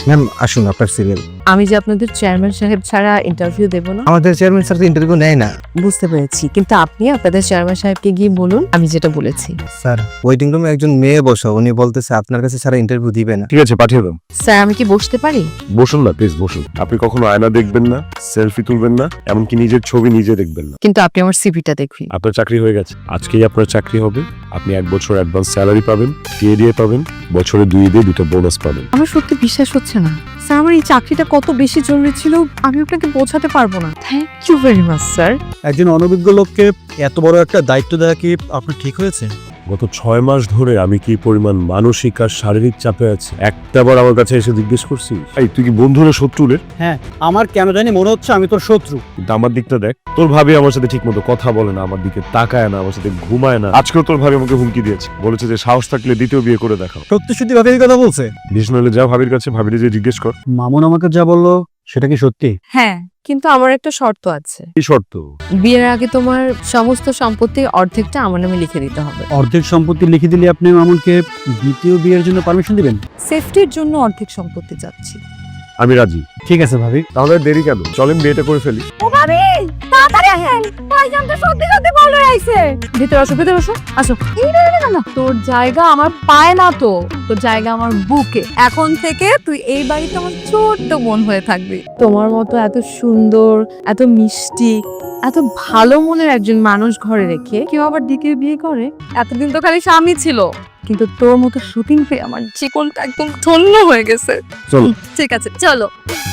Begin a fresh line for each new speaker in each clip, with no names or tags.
Ma'am আসুন আপনার serial.
আমি যে আপনাদের চেয়ারম্যান সাহেব ছাড়া ইন্টারভিউ দেব না
আমাদের চেয়ারম্যান স্যার তো ইন্টারভিউ নেয় না।
বুঝতে পেরেছি, কিন্তু আপনি আপনাদের চেয়ারম্যান সাহেবকে গিয়ে বলুন আমি যেটা বলেছি।
স্যার ওয়েটিং রুমে একজন মেয়ে বসা, উনি বলতেছে আপনার কাছে ছাড়া ইন্টারভিউ দিবে না।
ঠিক আছে, পাঠিয়ে দাও।
স্যার আমি কি বসতে পারি?
বসুন না প্লিজ, বসুন। আপনি কখনো আয়না দেখবেন না, সেলফি তুলবেন না, এমনকি নিজের ছবি নিজে দেখবেন না।
কিন্তু আপনি আমার সিভিটা দেখুন।
আপনার চাকরি হয়ে গেছে, আজকেই আপনার চাকরি হবে। আপনি 1 বছর অ্যাডভান্স স্যালারি পাবেন, টিএডিএ পাবেন, বছরে 2 ঈদে 2টা বোনাস পাবেন।
আমার সত্যি বিশ্বাস হচ্ছে না স্যার, আমার এই চাকরিটা কত বেশি জরুরি ছিল আমি আপনাকে বোঝাতে পারবো না। Thank you very much sir.
একজন অনভিজ্ঞ লোককে এত বড় একটা দায়িত্ব দেওয়া কি আপনার ঠিক হয়েছে?
গত 6 মাস ধরে আমি কি পরিমাণ মানসিক আর শারীরিক চাপে আছি, একটাবার আমার কাছে এসে জিজ্ঞেস করছিস এই তুই কি বন্ধু না শত্রু রে?
হ্যাঁ, আমার কেন জানি মনে হচ্ছে আমি তোর শত্রু।
কিন্তু আমার দিকটা দেখ, তোর ভাবি আমার সাথে ঠিক মতো কথা বলে না, আমার দিকে তাকায় না, আমার সাথে ঘুমায় না। আজকেও তোর ভাবি আমাকে হুমকি দিয়েছে, বলেছে যে সাহস থাকলে দ্বিতীয় বিয়ে করে দেখাও।
সত্যি সত্যি ভাবির কথা বলছে?
বিষ্ণু যা ভাবির কাছে, ভাবিরে যে জিজ্ঞেস কর।
মামুন আমাকে যা বললো সেটা কি সত্যি?
হ্যাঁ, কিন্তু আমার একটা শর্ত আছে।
কি শর্ত?
বিয়ের আগে তোমার সমস্ত সম্পত্তির অর্ধেকটা আমার নামে লিখে দিতে হবে।
অর্ধেক সম্পত্তি লিখে দিলে আপনি মামুনকে দ্বিতীয় বিয়ের জন্য পারমিশন দিবেন?
সেফটির জন্য অর্ধেক সম্পত্তি চাচ্ছি।
আমি রাজি।
ঠিক আছে ভাবি।
তাহলে দেরি কেন, চলেন বিয়েটা করে ফেলি।
ও ভাবি তাড়াতাড়ি আসেন, ভাইজান তো সত্যি সত্যি বলে আইছে। ভিতরে আসো, ভিতরে আসো, আসো। এই না তোর জায়গা আমার পায় না, তো তোর জায়গা আমার বুকে। এখন থেকে তুই এই বাড়িতে আমার ছোট্ট বোন হয়ে থাকবি। তোমার মতো এত সুন্দর, এত মিষ্টি, এত ভালো মনের একজন মানুষ ঘরে রেখে কেউ আবার দ্বিতীয় বিয়ে করে? এতদিন তো খালি স্বামী ছিল, কিন্তু তোর মতো শুটিং পেয়ে আমার জীবনটা একদম ধন্য হয়ে গেছে।
চলো।
ঠিক আছে চলো।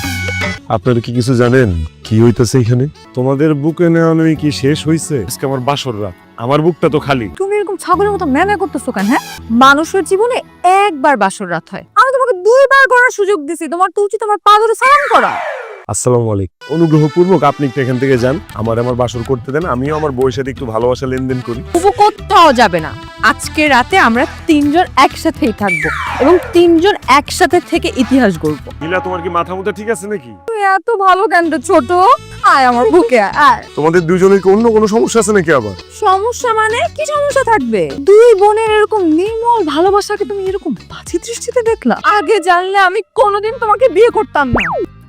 আপনারা কি কিছু জানেন কি হইতাছে এখানে? তোমাদের বুকে নেওয়া নেই কি শেষ হইছে? আজকে আমার বাসর রাত, আমার বুকটা তো খালি।
তুমি এরকম ছাগলের মতো ম্যানে করতেছো কেন? হ্যাঁ, মানুষের জীবনে একবার বাসর রাত হয়, আমি তোমাকে 2বার করার সুযোগ দিছি, তোমার তো উচিত আমার পা ধরে সালাম করা।
আসসালামু আলাইকুম। অনুগ্রহপূর্বক আপনি একটু এখান থেকে যান, আমার বাসর করতে দেন, আমিও আমার বউয়ের সাথে একটু ভালোবাসা লেনদেন করি।
তবু কোথাও যাবে না, আজকে রাতে আমরা 3জন একসাথেই থাকবো এবং 3জন একসাথে থেকে ইতিহাস গড়বো।
নীলা, তোমার কি মাথা মুথা ঠিক আছে নাকি?
তুই এত ভালো কেন রে ছোট? আয় আমার বুকে আয়।
তোমাদের দুজনের কি অন্য কোনো সমস্যা আছে নাকি আবার?
সমস্যা মানে কি সমস্যা থাকবে? দুই বোনের এরকম নির্মল ভালোবাসাকে তুমি এরকম বাজে দৃষ্টিতে দেখলা? আগে জানলে আমি কোনোদিন তোমাকে বিয়ে করতাম না।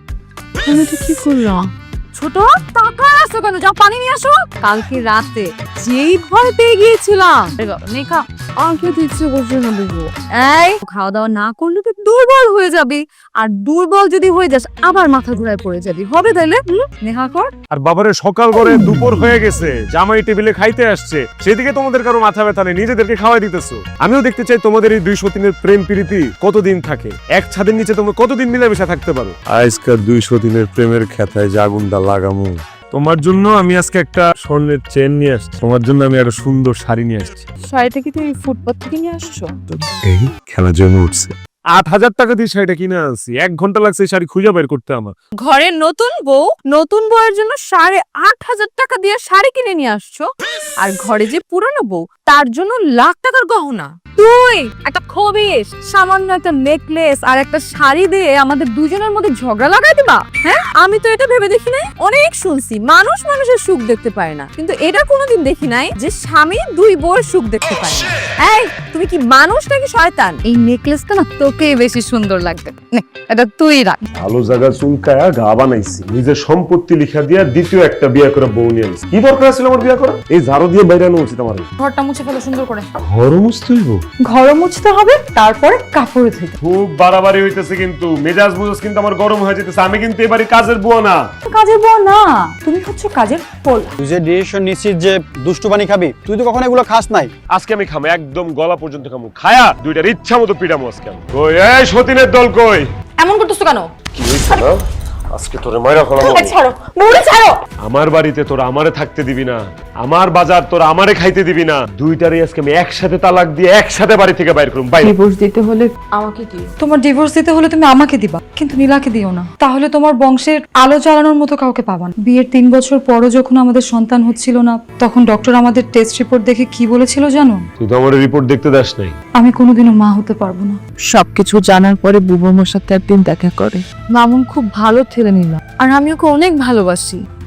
তুমি তো কি করলাম? ছোট টাকা আসো কেন? যাও পানি নিয়ে আসো। কালকে রাতে যেই ভয় পেয়ে গিয়েছিলাম, নেখা আমাকে তো ইচ্ছে করছে না বুঝবো। এই খাওয়া দাওয়া না করলে তো দুর্বল হয়ে যাবি, আর দুর্বল যদি হয়ে যাস আবার মাথা ঘুরায় পড়ে যাবি। হবে তাইলে? নেহা কর।
আর বাবারে সকাল করে দুপুর হয়ে গেছে, জামাই টেবিলে খাইতে আসছে, সেদিকে তোমাদের কারো মাথা ব্যথা নেই, নিজেদেরকে খাওয়াই দিতেছো। আমিও দেখতে চাই তোমাদের এই 2 সতীনের প্রেম প্রীতি কতদিন থাকে, এক ছাদের নিচে তোমরা কতদিন মিলেমিশে থাকতে পারো। আজকাল 2 সতীনের প্রেমের খেতায় জাগুনটা লাগামো। তোমার জন্য আমি আজকে একটা স্বর্ণের চেন নিয়ে আসছি, তোমার জন্য আমি একটা সুন্দর শাড়ি নিয়ে আসছি।
শাড়িটা কি তুমি ফুটপাত থেকে নিয়ে আসছো?
এই খেলা জমে উঠছে। 8,000 টাকা দিয়ে শাড়িটা কিনে আনছি, 1 ঘন্টা লাগছে এই শাড়ি খুঁজে বের করতে আমার।
ঘরের নতুন বউয়ের জন্য 8,500 টাকা দিয়ে শাড়ি কিনে নিয়ে আসছো, আর ঘরে যে পুরনো বউ তার জন্য লাখ টাকার গহনা। তুই একটা খবিস, সামান্য একটা নেকলেস আর একটা শাড়ি দিয়ে আমাদের দুজনের মধ্যে ঝগড়া লাগাই দিবা? হ্যাঁ, আমি তো এটা ভেবে দেখি নাই। অনেক শুনছি মানুষ মানুষের সুখ দেখতে পায় না, কিন্তু এটা কোনোদিন দেখি নাই যে স্বামী 2 বউয়ের সুখ দেখতে পায় না। এই তুমি কি মানুষ নাকি শয়তান? এই নেকলেসটা না তোকেই বেশি সুন্দর লাগবে, নে এটা তুই রাখ।
ভালো জায়গা চুলকায়া গা বানাইছি, নিজের সম্পত্তি লিখা দিয়া দ্বিতীয় একটা বিয়ে করে বউ নিয়ে আনছি। কি দরকার ছিল আমার বিয়ে করা? এই ঝাড়ু দিয়ে বাইরে আনা উচিত আমার।
ঘরটা মুছে ফেলো সুন্দর করে।
ঘর মুছতে হইব?
ঘর মুছতে হবে, তারপরে কাপড় ধুইতে।
খুব বাড়াবাড়ি হইতেছে, কিন্তু মেজাজ বুঝাস কিন্তু আমার গরম হয়ে যেতেছে। আমি কিন্তু এবারে কাজের বুয়া না।
কাজের বউ না, তুমি হচ্ছে কাজের ফল।
তুই যে ডিসিশন নিছিস যে দুষ্টু পানি খাবি, তুই তো কখনো এগুলো খাস নাই।
আজকে আমি খামো, একদম গলা পর্যন্ত খামো, খায়া 2টার ইচ্ছা মতো পিড়ামো আজকে আমি। কই এই সতীনের দল কই?
এমন করতেছো কেন?
কি হইছে না? আজকে তোরে মাইরা ফেলাবো।
ছাড়ো বউরে, ছাড়ো।
আমার বাড়িতে তোরা আমারে থাকতে দিবি না, আমার বাজার তোরা আমারে খাইতে দিবি না। 2টারই আজকে আমি একসাথে তালাক দিয়ে একসাথে বাড়ি থেকে বাইর করুম। বাইরে।
ডিভোর্স দিতে হলে
আমাকে দিও।
তোমার ডিভোর্স দিতে হলে তুমি আমাকে দিবা, কিন্তু নীলাকে দিও না। তাহলে তোমার বংশের আলো জ্বালানোর মতো কাউকে পাবা না। বিয়ের 3 বছর পরও যখন আমাদের সন্তান হচ্ছিল না, তখন ডক্টর আমাদের টেস্ট রিপোর্ট দেখে কি বলেছিল জানো?
তুই তো আমার রিপোর্ট দেখতে দাস নাই।
আমি কোনোদিনও মা হতে পারবো না।
সবকিছু জানার পরে বুবুর সাথে একদিন দেখা করে।
মামুন খুব ভালো ছেলে নিলাম, আর আমি ওকে অনেক ভালোবাসি।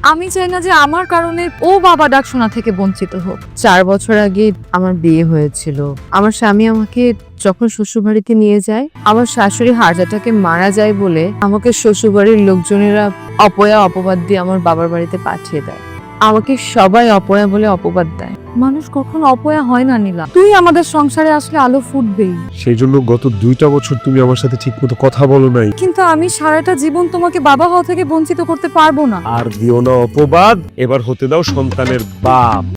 আমি চাই না যে আমার কারণে ও বাবা ডাক শোনা থেকে বঞ্চিত হোক। 4 বছর আগে আমার বিয়ে হয়েছিল। আমার স্বামী আমাকে যখন শ্বশুরবাড়িতে নিয়ে যায়, আমার শাশুড়ি হার্ট অ্যাটাকে মারা যায় বলে আমাকে শ্বশুরবাড়ির লোকজনেরা অপয়া অপবাদ দিয়ে আমার বাবার বাড়িতে পাঠিয়ে দেয়। আমাকে সবাই অপয়া বলে অপবাদ দেয়। মানুষ কখনো অপয়া হয় না নীলা। তুই আমাদের সংসারে আসলে আলো ফুটবেই।
সেই জন্য গত 2টা বছর তুমি আমার সাথে ঠিকমতো কথা বলো নাই।
কিন্তু আমি সারাটা জীবন তোমাকে বাবা হওয়া থেকে বঞ্চিত করতে পারবো না।
আর দিও না অপবাদ, এবার হতে দাও সন্তানের বাপ।